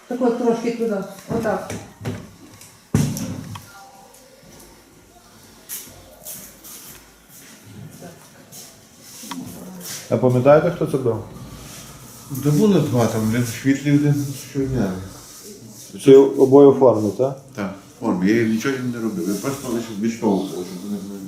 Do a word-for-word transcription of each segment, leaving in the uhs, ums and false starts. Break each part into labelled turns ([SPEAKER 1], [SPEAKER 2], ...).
[SPEAKER 1] Так от трошки туди. Отак.
[SPEAKER 2] А пам'ятаєте, хто це був?
[SPEAKER 3] Та було два, там один світлий, один щодня.
[SPEAKER 2] Всі обоє у формі, так?
[SPEAKER 3] Так, в формі. Я нічого їм не робив. Я просто лише відштовхував, щоб вони були.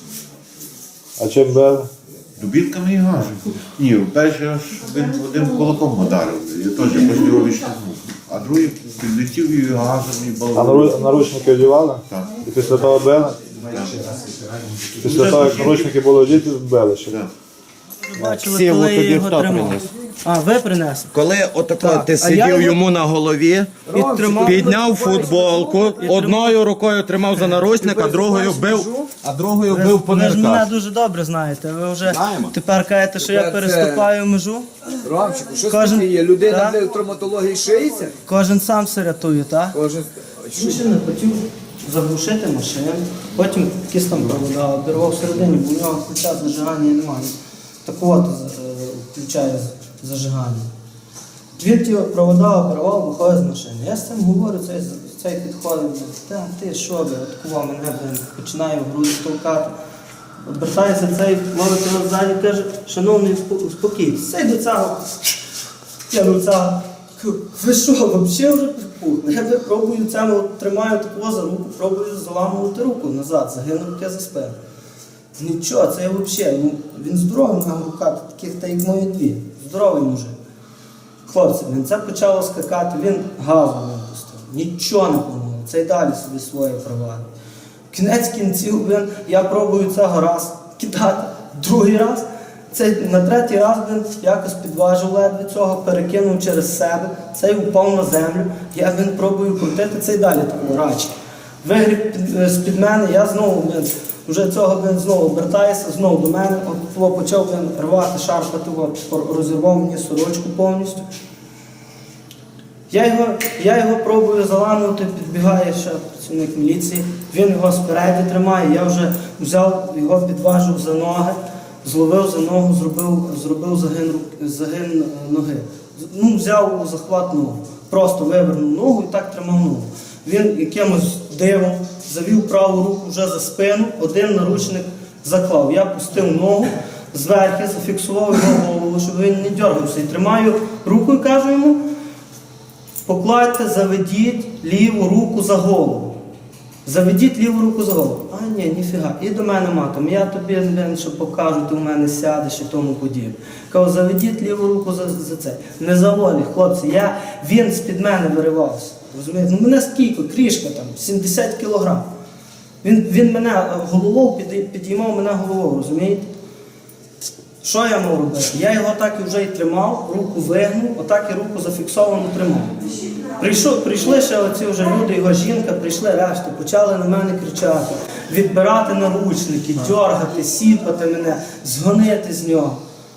[SPEAKER 2] А чим били?
[SPEAKER 3] Дубінками і газом. Ні, перший аж один, один кулаком ударив. Я теж просто його відштовхнув. А другий підлетів і газом, і
[SPEAKER 2] А
[SPEAKER 3] балом.
[SPEAKER 2] нару- наручники одягали?
[SPEAKER 3] Так.
[SPEAKER 2] І після того били? Після того, як наручники були одіти, били ще?
[SPEAKER 3] Так.
[SPEAKER 4] Бачили,
[SPEAKER 5] Сілу
[SPEAKER 4] коли я
[SPEAKER 5] тобі
[SPEAKER 4] його
[SPEAKER 5] хто
[SPEAKER 4] тримав.
[SPEAKER 5] приніс?
[SPEAKER 4] А, ви принесли?
[SPEAKER 5] Коли отако
[SPEAKER 4] Так.
[SPEAKER 5] ти
[SPEAKER 4] А
[SPEAKER 5] сидів
[SPEAKER 4] я його-
[SPEAKER 5] йому на голові,
[SPEAKER 4] І тримав.
[SPEAKER 5] підняв футболку, одною рукою тримав за наручник, а другою бив, а другою бив по
[SPEAKER 4] Ви ж мене
[SPEAKER 5] нирках.
[SPEAKER 4] дуже добре знаєте. Ви вже
[SPEAKER 6] Знаємо.
[SPEAKER 4] тепер кажете, що я
[SPEAKER 6] Тепер це-
[SPEAKER 4] переступаю межу.
[SPEAKER 6] Ромчику, що
[SPEAKER 4] Кожен-
[SPEAKER 6] таке є? Людина
[SPEAKER 4] Так.
[SPEAKER 6] де в травматології шиється?
[SPEAKER 4] Кожен сам все рятує, так?
[SPEAKER 6] Кожен...
[SPEAKER 4] Він ще не хотів заглушити машину, потім якісь там провода обірвав всередині, бо у нього ключа зажигання немає. Так от е, включає з- зажигання. Він ті провода обірвав, виходить з машини. Я з цим говорю, цей, цей підходить, та ти що ви, откував мене, блин, починаю в груди стовкати. Обертається цей, ловить його ззаді, каже, шановний, успо- успокійтесь. Цей до цього, я до цього, ви що, взагалі вже пухне? Я пробую цьому, тримаю такого за руку, пробую заламувати руку назад, загинув я за спину. Нічого, це я взагалі, ну, він здоровий, в нього рука, таких та як мої дві, здоровий мужик. Хлопці, він це почало скакати, він газу не пустив, нічого не помогло, це й далі собі своє провадить. Кінець кінців, він, я пробую цього раз кидати, другий раз, цей, на третій раз він якось підважив ледве цього, перекинув через себе, цей упав на землю, я він пробую крутити, цей далі так рачки. Вигріб під- з-під мене, я знову, він, вже цього він знову обертається, знову до мене, от того почав він рвати, шарпати, от, розірвав мені сорочку повністю. Я його, я його пробую заламувати, підбігає ще працівник міліції, він його спереді тримає, я вже взяв, його підважив за ноги, зловив за ногу, зробив, зробив загин, рук- загин е, ноги. З- Ну, взяв у захват ногу, просто вивернув ногу і так тримав ногу. Він якимось дивом завів праву руку вже за спину, один наручник заклав. Я пустив ногу, зверху зафіксував його голову, щоб він не дергався. І тримаю руку і кажу йому, покладьте, заведіть ліву руку за голову. Заведіть ліву руку за голову. А ні, ніфіга. І до мене матом. Я тобі, блин, що покажу, ти в мене сядеш і тому подібне. Кажу, заведіть ліву руку за, за це. Не за волі, хлопці. Я, він з-під мене виривався. Розумієте? Ну мене скільки, крішка там, сімдесят кілограм. Він, він мене головою під, підіймав мене головою, розумієте? Що я мав робити? Я його так і вже і тримав, руку вигнув, отак і руку зафіксовано тримав. Прийшов, прийшли ще оці вже люди, його жінка, прийшли решта, почали на мене кричати, відбирати наручники, дьоргати, сіпати мене, згонити з нього.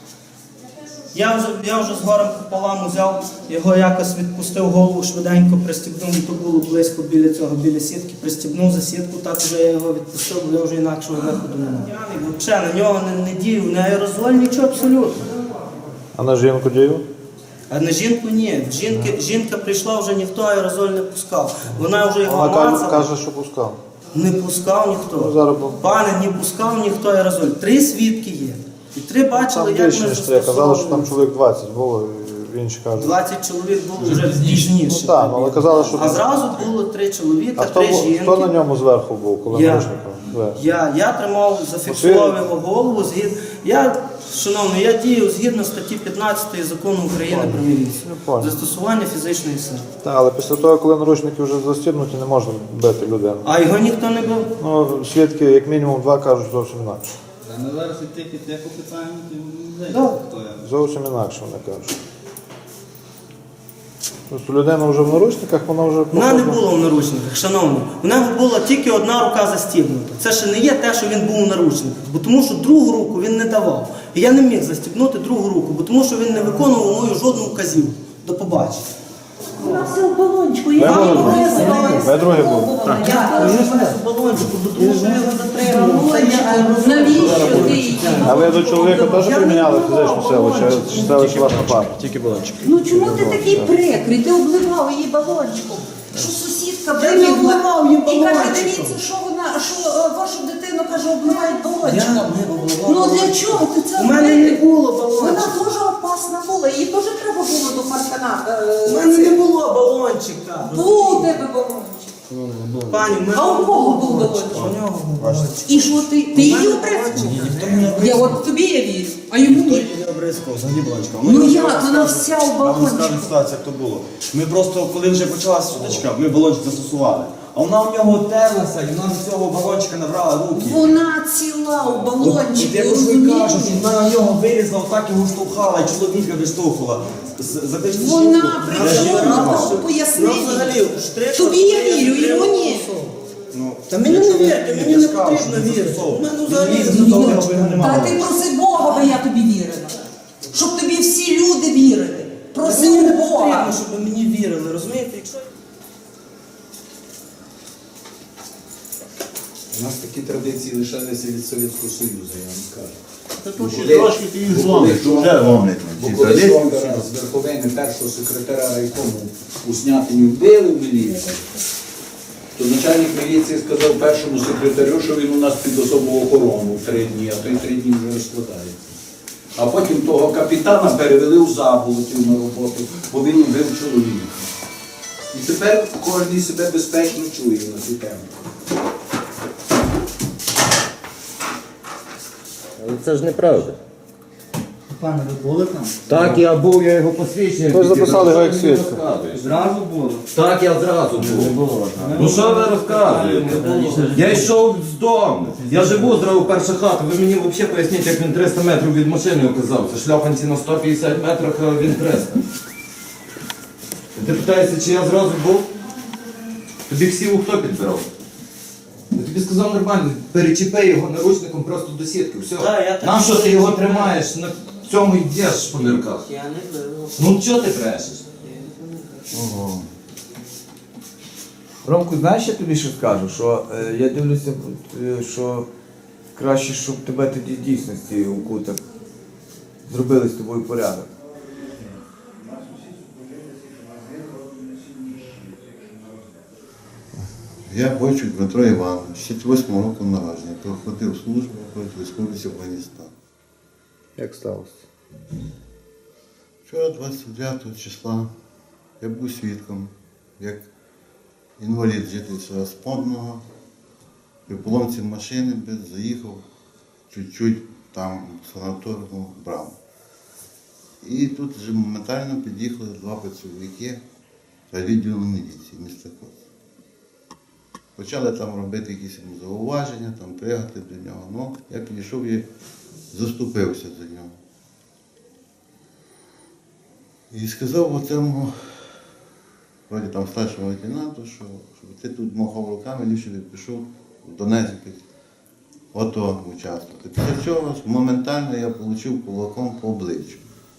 [SPEAKER 4] Я вже, я вже з горем пополам взяв, його якось відпустив, голову швиденько пристібнув, то було близько біля цього, біля сітки, пристібнув за сітку, так вже я його відпустив, бо я вже інакшого виходу не мав. П'яний, взагалі, на нього не, не діяв, не аерозоль, нічого абсолютно.
[SPEAKER 2] А на жінку дію?
[SPEAKER 4] А на жінку ні. Жінки, жінка прийшла, вже ніхто аерозоль не пускав. Вона вже його
[SPEAKER 2] Вона каже,
[SPEAKER 4] мацала.
[SPEAKER 2] каже, що пускав.
[SPEAKER 4] Не пускав
[SPEAKER 2] Ну,
[SPEAKER 4] ніхто.
[SPEAKER 2] зараз бо-
[SPEAKER 4] Пане, не пускав ніхто аерозоль. Три свідки є. І три бачили,
[SPEAKER 2] Там
[SPEAKER 4] як
[SPEAKER 2] більше,
[SPEAKER 4] ми
[SPEAKER 2] ніж це. Казали, що там
[SPEAKER 4] застосовували.
[SPEAKER 2] чоловік двадцять було, і інші кажуть.
[SPEAKER 4] двадцять чоловік було вже пізніше.
[SPEAKER 2] Ну так, але казали, що...
[SPEAKER 4] А зразу було три чоловіка,
[SPEAKER 2] А хто,
[SPEAKER 4] три
[SPEAKER 2] бу-
[SPEAKER 4] жінки.
[SPEAKER 2] хто на ньому зверху був, коли
[SPEAKER 4] Я.
[SPEAKER 2] наручником? Зверху.
[SPEAKER 4] Я, я тримав, зафіксував його голову. Згід... Я, шановний, я дію згідно статті п'ятнадцятої закону України про міліцію.
[SPEAKER 2] Я понял.
[SPEAKER 4] Застосування фізичної сили.
[SPEAKER 2] Так, але після того, коли наручники вже застібнуті, не можна бити людину.
[SPEAKER 4] А його ніхто не бив.
[SPEAKER 2] Ну, свідки, як мінімум, два кажуть зовсім інакше.
[SPEAKER 7] Ми зараз і тих, і тих опитаємо, то не
[SPEAKER 4] Да.
[SPEAKER 7] знаєте, хто я.
[SPEAKER 2] Зовсім інакше вони кажуть. Просто людина вже в наручниках, вона вже...
[SPEAKER 4] Вона не
[SPEAKER 2] походу-
[SPEAKER 4] була в наручниках, шановний. У нього була тільки одна рука застібнута. Це ще не є те, що він був у наручниках. Бо тому що другу руку він не давав. І я не міг застібнути другу руку, бо тому що він не виконував мою жодну вказівку. До побачення.
[SPEAKER 1] Вона все в балончику.
[SPEAKER 2] Ви
[SPEAKER 1] Я
[SPEAKER 2] були
[SPEAKER 1] вам
[SPEAKER 2] другі?
[SPEAKER 1] показувала.
[SPEAKER 2] Ви другі були?
[SPEAKER 4] Я теж в балончику, тому що я його затримав.
[SPEAKER 1] Навіщо ти її?
[SPEAKER 2] А ви до чоловіка теж приміняли фізичну силу, чи чи це лише ваш напад?
[SPEAKER 5] Тільки балончик.
[SPEAKER 1] Ну чому ти такий прикрий? Ти обливав її балончиком. Що сусідка
[SPEAKER 4] Я не
[SPEAKER 1] вибігла
[SPEAKER 4] обливав її
[SPEAKER 1] і каже,
[SPEAKER 4] балончиком.
[SPEAKER 1] дивіться, що вона, що е, вашу дитину, каже, обливають балончиком.
[SPEAKER 4] Я не обливав
[SPEAKER 1] Ну
[SPEAKER 4] балончиком.
[SPEAKER 1] для чого ти це
[SPEAKER 4] У мене
[SPEAKER 1] робиш?
[SPEAKER 4] не було
[SPEAKER 1] Вона
[SPEAKER 4] балончика.
[SPEAKER 1] дуже опасна була, її теж треба було до паркана. е,
[SPEAKER 4] У мене не було балончика.
[SPEAKER 1] Був у тебе балончик.
[SPEAKER 4] Пані, в мене
[SPEAKER 1] А у кого був
[SPEAKER 4] у
[SPEAKER 1] балончик?
[SPEAKER 4] нього був балончик.
[SPEAKER 1] І що ти? Ти її
[SPEAKER 4] Ніхто
[SPEAKER 1] обрезав?
[SPEAKER 4] не
[SPEAKER 1] Я
[SPEAKER 4] обрізав.
[SPEAKER 1] от тобі я вірю, а йому
[SPEAKER 7] Ніхто
[SPEAKER 1] ні.
[SPEAKER 7] її не обрискав, взагалі балончика.
[SPEAKER 1] Ну як, вона вся у
[SPEAKER 7] Я вам скажу
[SPEAKER 1] балончику.
[SPEAKER 7] ситуацію, як то було. Ми просто, коли вже почалася сутичка, ми балончик застосували. А вона в нього терлася, і вона з цього балончика набрала руки.
[SPEAKER 1] Вона ціла у
[SPEAKER 7] От
[SPEAKER 1] балончику,
[SPEAKER 7] я просто
[SPEAKER 1] розумієш?
[SPEAKER 7] кажу, що вона на нього вилізла, отак його штовхала, і чоловіка виштовхувала. З- За те, що
[SPEAKER 1] Вона
[SPEAKER 7] жінку-
[SPEAKER 1] при
[SPEAKER 7] Я ж
[SPEAKER 1] цьому
[SPEAKER 7] не
[SPEAKER 1] на
[SPEAKER 7] знав.
[SPEAKER 1] того пояснення.
[SPEAKER 4] Ну, взагалі, штрих-
[SPEAKER 1] Тобі я вірю, йому ні.
[SPEAKER 7] Ну,
[SPEAKER 4] Та мені не вірте, мені
[SPEAKER 7] я
[SPEAKER 4] не
[SPEAKER 7] сказав,
[SPEAKER 4] потрібно
[SPEAKER 7] що
[SPEAKER 4] вірити.
[SPEAKER 7] застосовував.
[SPEAKER 4] У мене
[SPEAKER 7] Він
[SPEAKER 4] взагалі
[SPEAKER 7] ліз
[SPEAKER 4] не
[SPEAKER 7] до того,
[SPEAKER 4] вірить.
[SPEAKER 7] аби його
[SPEAKER 1] Та
[SPEAKER 7] немає.
[SPEAKER 1] ти проси Бога, би я тобі вірила. Щоб тобі всі люди вірили.
[SPEAKER 4] Мені
[SPEAKER 1] Проси
[SPEAKER 4] не
[SPEAKER 1] у Бога.
[SPEAKER 4] потрібно, щоб мені вірили, розумієте? Якщо
[SPEAKER 8] У нас такі традиції лишалися від Совєтського Союзу, я вам кажу.
[SPEAKER 3] Тут трошки ти їх зломиш, вже ломлять
[SPEAKER 8] Бо
[SPEAKER 3] ці
[SPEAKER 8] коли
[SPEAKER 3] традиції.
[SPEAKER 8] Жовтера з верховини першого секретаря райкому у Снятині вбили в міліції, то начальник міліції сказав першому секретарю, що він у нас під особову охорону в три дні, а той три дні вже розкладається. А потім того капітана перевели в Заболотів на роботу, бо він вбив чоловіка. І тепер кожен себе безпечно чує на цю тему.
[SPEAKER 5] Але це ж неправда.
[SPEAKER 7] Пане, ви були там?
[SPEAKER 5] Так, я був, я його посвідчення.
[SPEAKER 2] Ви ж записали його як
[SPEAKER 5] Що ви мені
[SPEAKER 2] свідка.
[SPEAKER 5] розказуєте?
[SPEAKER 7] Зразу було.
[SPEAKER 5] Так, я зразу був. Ну що ви розказуєте? Я йшов з дому. Я живу зразу перша хата. Ви мені взагалі поясніть, як він триста метрів від машини оказався. Шльопанці на сто п'ятдесят метрах, а він триста. Ти питаєшся, чи я зразу був? Тобі всі хто підбирав? Я тобі сказав нормально, перечіпи його наручником просто до сітки. Все.
[SPEAKER 4] Так, я так
[SPEAKER 5] Нащо ти
[SPEAKER 4] само
[SPEAKER 5] його
[SPEAKER 4] не знаю.
[SPEAKER 5] тримаєш? На цьому йдеш по нирках.
[SPEAKER 4] я не вірю.
[SPEAKER 5] Ну чого ти брешеш?
[SPEAKER 6] Ромку, знаєш, я тобі що скажу? Що е, я дивлюся, е, що краще, щоб тебе тоді в дійсності у кутах зробили з тобою порядок.
[SPEAKER 3] Я Бойчук Дмитро Іванович, шістдесят восьмого року народження, проходив службу проти Республіки Афганістан.
[SPEAKER 2] Як сталося?
[SPEAKER 3] Вчора, двадцять дев'ятого числа, я був свідком, як інвалід житель села Сподного при поломці машини без заїхав чуть-чуть там в санаторну браму. І тут вже моментально під'їхали два працівники відділу міліції міста Коц. Почали там робити якісь йому зауваження, там пригати до нього. Ну, я підійшов і заступився за нього. І сказав оцьому, вроді там старшому лейтенанту, що щоб ти тут махав руками, ліпше би пішов в Донецьк, ото участвувати. Після цього моментально я отримав кулаком по обличчю.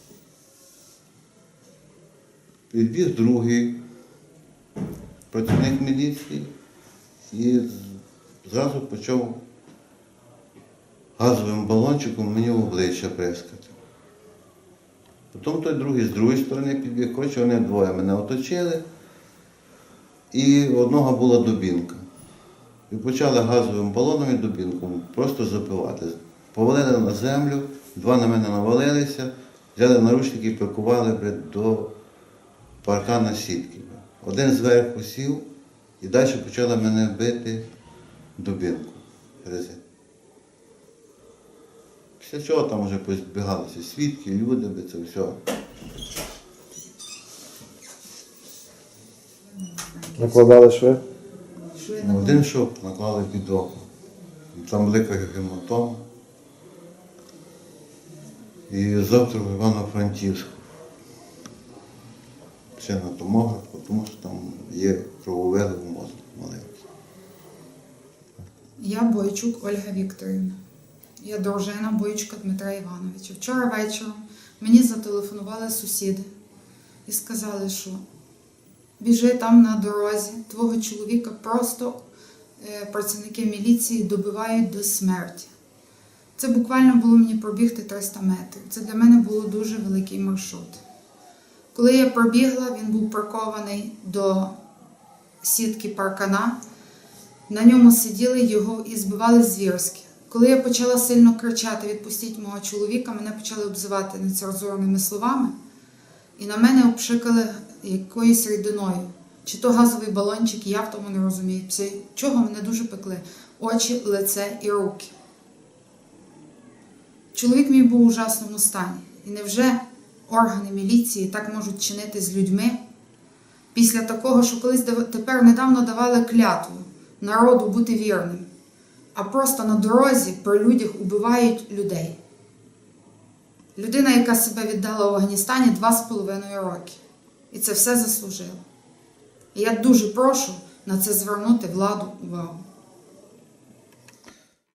[SPEAKER 3] Підбіг другий працівник міліції і зразу почав газовим балончиком мені в обличчя прискати. Потім той другий з другої сторони підбіг, коротше, вони двоє мене оточили, і у одного була дубінка. І почали газовим балоном і дубінком просто запивати. Повалили на землю, два на мене навалилися, взяли наручники і прикували блядь, до паркана сітки. Один зверху сів і далі почали мене бити дубінку. Після чого там вже позбігалися свідки, люди, це все.
[SPEAKER 2] Накладали шви?
[SPEAKER 3] На один шоп наклали під око. Там велика гематома. І завтра в Івано-Франківську. Ще на томограф, тому що там є крововели в мозку маленькі.
[SPEAKER 9] Я Бойчук Ольга Вікторівна. Я дружина Бойчука Дмитра Івановича. Вчора вечором мені зателефонували сусіди і сказали, що біжи там на дорозі, твого чоловіка просто е, працівники міліції добивають до смерті. Це буквально було мені пробігти триста метрів. Це для мене було дуже великий маршрут. Коли я пробігла, він був прикований до сітки паркана. На ньому сиділи його і збивали звірськи. Коли я почала сильно кричати «Відпустіть мого чоловіка», мене почали обзивати нецензурними словами. І на мене обшикали якоюсь рідиною. Чи то газовий балончик, я в тому не розумію. Це чого мене дуже пекли. Очі, лице і руки. Чоловік мій був у ужасному стані. І невже органи міліції так можуть чинити з людьми? Після такого, що колись тепер недавно давали клятву народу бути вірним, а просто на дорозі при людях убивають людей. Людина, яка себе віддала в Афганістані два з половиною роки. І це все заслужила. І я дуже прошу на це звернути владу увагу.